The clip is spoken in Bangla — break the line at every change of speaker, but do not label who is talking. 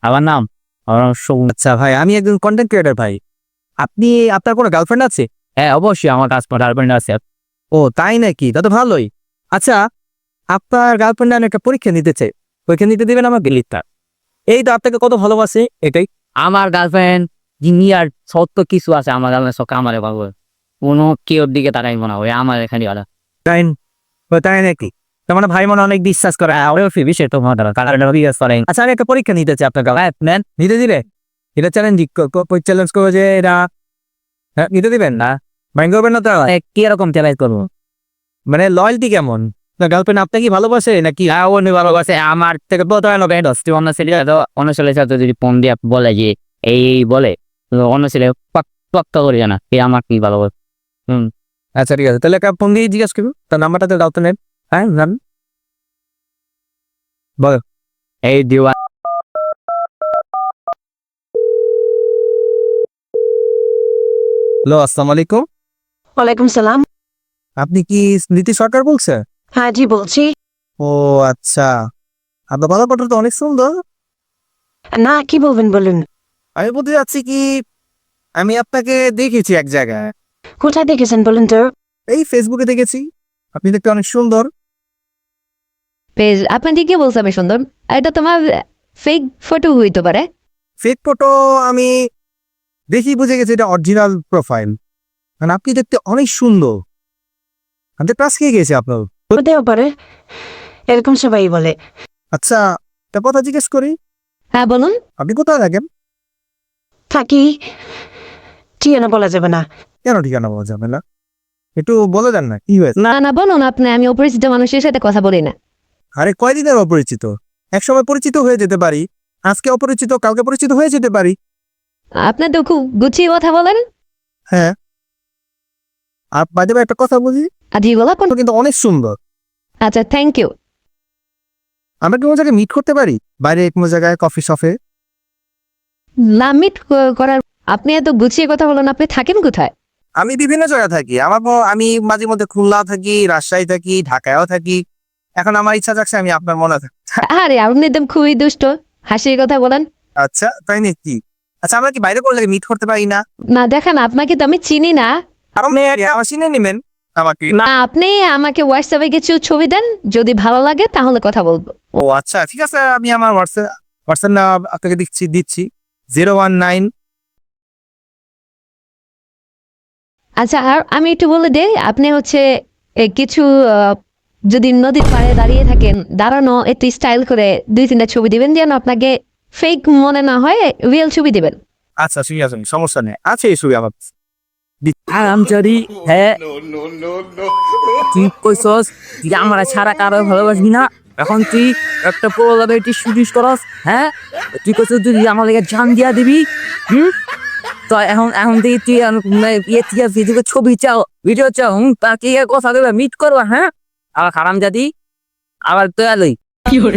আমার নাম
আচ্ছা ভাই, আমি একজন কন্টেন্ট ক্রিয়েটর ভাই। আপনার কোনো গার্লফ্রেন্ড আছে?
হ্যাঁ, অবশ্যই আমার কাছে গার্লফ্রেন্ড আছে।
ও তাই নাকি? তা তো ভালোই। আচ্ছা, আপনার গার্লফ্রেন্ড আমি একটা পরীক্ষা নিতে চাই, পরীক্ষা নিতে দিবেন আমাকে? লিখতা এই তো আপনাকে কত ভালোবাসে এটাই।
আমার গার্লফ্রেন্ড দুনিয়ার সত্য কিছু আছে, আমার গার্লফ্রেন্ড সব আমারে পাবো, কোনো কেউর দিকে তারাই মনে হয় আমার এখানে ওরা।
তাই তাই নাকি? তার মানে ভাই মনে অনেক বিশ্বাস করে। ওরেও ফিবি সে তো বিশ্বাস করে। আচ্ছা, আমি একটা পরীক্ষা নিতে চাই আপনার গার্লফ্রেন্ড। নেন, নিতে দিলে? এটা চ্যালেঞ্জ চ্যালেঞ্জ করবো যে এটা। হ্যাঁ, নিতে দিবেন না? মাইন্ড করবেন না তো?
কি রকম চ্যালেঞ্জ করবো?
মানে লয়্যালটি কেমন? না গার্লফ্রেন্ড আপনাকে কি ভালোবাসে নাকি?
অন্য ভালোবাসে আমার থেকে প্রতারণা করে দশটি অন্য ছেলে, অন্য ছেলের সাথে যদি ফোন দিয়ে বলে যে এই বলে, তো অন্য ছেলে পাক্কা করে জানা এই আমার কি ভালোবাসে।
আচ্ছা ঠিক আছে, তাহলে একটা ফোন দিয়ে জিজ্ঞাসা করবো, তার নাম্বারটা তো দাও তো। নেন, হ্যাঁ জান, বলো।
এই দিওয়া
হ্যালো, আসসালামু আলাইকুম।
ওয়ালাইকুম সালাম।
আপনি কি নীতি সরকার বলছেন?
হ্যাঁ জি বলছি।
ও আচ্ছা, আপনার গলাটা তো অনেক সুন্দর।
না, কি বলবেন বলুন।
আমি বলতে যাচ্ছি কি, আমি আপনাকে দেখেছি এক জায়গায়।
কোথায় দেখেছেন বলুন তো?
এই ফেসবুকে দেখেছি, আপনি দেখতে অনেক সুন্দর।
পেজ আপনার দিকে বলছে আমি সুন্দর, এটা তোমার ফেক ফটো হইতে পারে।
ফেক ফটো আমি দেখি বুঝে গেছি এটা অরিজিনাল প্রোফাইল। মানে আপনি দেখতে অনেক সুন্দর, আমি ক্লাস খেয়ে গেছি আপনার।
হতেও পারে, এরকম সবাই বলে।
আচ্ছা, তা কথা জিজ্ঞেস করি,
হ্যাঁ বলুন।
আপনি কোথায় থাকেন?
থাকি, ঠিকানা বলা যাবে না।
কেন ঠিকানা বলা যাবে না? একটু বলে দেন না কি হয়েছে।
না না বলুন আপনি, আমি অপরিচিত মানুষের সাথে কথা বলি না।
আরে কয়দিনের অপরিচিত? একসময় পরিচিত হয়ে যেতে পারি, আজকে অপরিচিত কালকে পরিচিত হয়ে যেতে পারি।
আপনি তো খুব গুছিয়ে কথা বলেন।
হ্যাঁ, আর বাদে একটা কথা বুঝি,
আজ গলা কোন?
কিন্তু অনেক সুন্দর।
আচ্ছা থ্যাংক ইউ।
আমরা কি কোনো জায়গায় মিট করতে পারি? বাইরে কোনো জায়গায়, কফি শপে?
লামিট করার আপনি এত গুছিয়ে কথা বলেন, আপনি থাকেন কোথায়?
আমি বিভিন্ন জায়গায় থাকি। আমি মাঝে মধ্যে খুলনা থাকি, রাজশাহী থাকি, ঢাকায়ও থাকি। এখন আমার ইচ্ছা যাচ্ছে আমি আপনার মনে থাকি।
আরে আপনি একদম খুবই দুষ্ট, হাসির কথা বলেন।
আচ্ছা তাই নাকি? আচ্ছা, আমরা কি বাইরে কোনো জায়গায় মিট করতে পারি না?
না দেখেন, আপনাকে তো আমি চিনি না।
আপনি আমার চিনে নেবেন আমাকে?
না আপনি আমাকে হোয়াটসঅ্যাপে কিছু ছবি দেন, যদি ভালো লাগে তাহলে কথা বলবো।
ও আচ্ছা ঠিক আছে, আমি আমার হোয়াটসঅ্যাপ না আপনাকে দিচ্ছি 019।
আচ্ছা আর আমি একটু বলে দেই, আপনি হচ্ছে কিছু যদি নদীর পাড়ে দাঁড়িয়ে থাকেন, দাঁড়ানো একটু স্টাইল করে 2-3টা ছবি দিবেন, যেন আপনাকে ফেক মনে না হয়, রিয়েল ছবি দিবেন।
আচ্ছা ঠিক আছে, সমস্যা নেই, আছে এই ছবি আমার।
আরামচারি। হ্যাঁ, তুই কইছস তুই আমার ছাড়া কারো ভালোবাসবি না, এখন তুই একটা প্রলাপে শুটিস করস। হ্যাঁ, তুই কইছস তুই আমার লেগে জান দিয়া দিবি। তো এখন এখন থেকে তুই ফেসবুকে ছবি চাও, ভিডিও চাও, তাকে কথা দেবে মিট করবা। হ্যাঁ, আবার খারাম জাতি, আবার তো আলোই
কি করে